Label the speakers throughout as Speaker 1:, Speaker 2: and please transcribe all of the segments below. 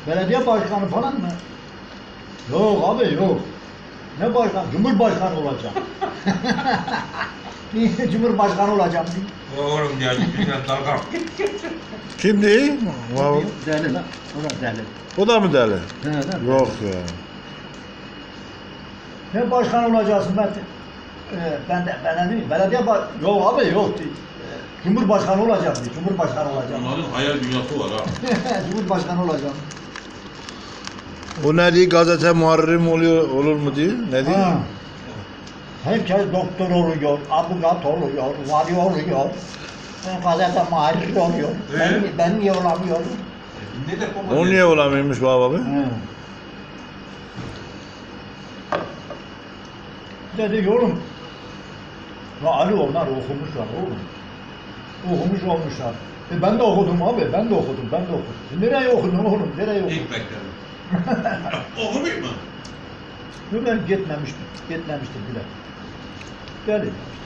Speaker 1: Belediye başkanı falan mı? Yok abi yok. Ne başkan? Cumhurbaşkanı olacağım. Niye Cumhurbaşkanı olacağım diye.
Speaker 2: Oğlum geldi bir tane dalga.
Speaker 3: Kim değil?
Speaker 1: Deli lan. O da deli.
Speaker 3: O da mı deli?
Speaker 1: He, he.
Speaker 3: Yok ya.
Speaker 1: Ne başkan olacaksın ben? Ben değil. Belediye yok abi yok. Cumhurbaşkanı olacağım diye. Cumhurbaşkanı olacağım.
Speaker 2: Onların hayal dünyası var ha.
Speaker 1: Cumhurbaşkanı olacağım.
Speaker 3: O ne diyor? Gazete muharriri mi olur mu diyor? Ne diyor?
Speaker 1: Ha. Herkes doktor oluyor, avukat oluyor, vali oluyor. Gazete muharriri oluyor. Ben niye olamıyorum?
Speaker 2: Ne de koma
Speaker 3: O niye olamıyormuş baba abi?
Speaker 1: He. Dedi oğlum. Ya Ali onlar okumuşlar oğlum. Okumuş olmuşlar. Ben de okudum abi, ben de okudum. Nereye okudun oğlum, nereye okudun?
Speaker 2: İlk mektebim. Okumuş mu?
Speaker 1: Yok ben gitmemiştim bile. Geldi.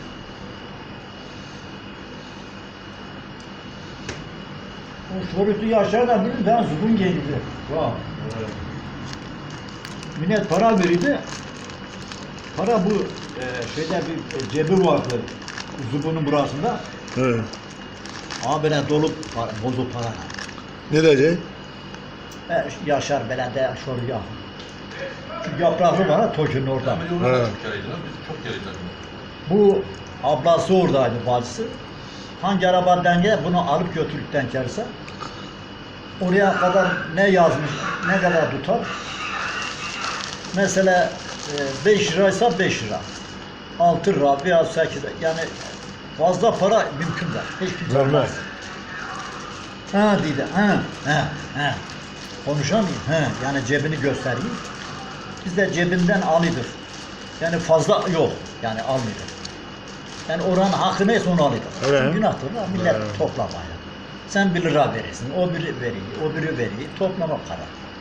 Speaker 1: O Şorut'u Yaşar da bilir, ben zubun geldi. Vah. Millet para verirdi. Para bu şeyde bir cebi vardı. Zubunun burasında.
Speaker 3: He.
Speaker 1: Ama böyle dolu para, bozuk para.
Speaker 3: Ne diyecek?
Speaker 1: Yaşar belediye şoru ya. Şu yapraklı var ha Toki'nin orada.
Speaker 2: Ama biz orada çok kereydik lan. Biz çok kereydik.
Speaker 1: Bu ablası oradaydı, bacısı. Hangi araba denge bunu alıp götürdükten kerse oraya kadar ne yazmış, ne kadar tutar? Mesela 5 liraysa 5 lira. 6 lira veya 8 lira. Yani fazla para mümkün değil. Hiç kimse
Speaker 3: Vermez.
Speaker 1: almaz. Ha dedi. Ha. Konuşamıyor. Yani cebini göstereyim. Biz de cebinden alıyorduk. Yani fazla yok. Yani almıyorduk. Yani oranın hakkı neyse onu alıyorduk.
Speaker 3: Evet.
Speaker 1: Günahtır da millet
Speaker 3: Evet.
Speaker 1: toplamaya. Sen 1 lira verirsin, o biri veriyor, o biri veriyor. Toplama para.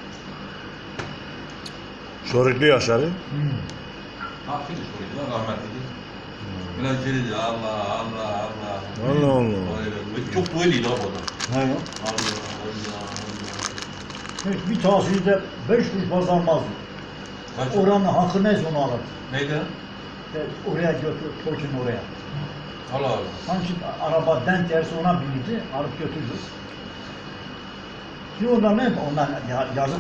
Speaker 3: Şoruklu Yaşar'ı.
Speaker 2: Hakkıydı soruyordu lan rahmetliydi. Biraz celildi Allah Allah Allah.
Speaker 3: Allah Allah.
Speaker 2: Öyle. Çok dueliydi abi o da.
Speaker 1: He.
Speaker 2: Allah Allah.
Speaker 1: Hiç bir tahsilde 5 kuruş fazla almazdı.
Speaker 2: Kaç?
Speaker 1: Oranın hakkı neyse onu alır.
Speaker 2: Neydi?
Speaker 1: Oraya götür, Tokin oraya.
Speaker 2: Allah Allah.
Speaker 1: Hangi araba denk gelirse ona binirdi, alıp götürdü. Şimdi onlar ne? Onlar yazık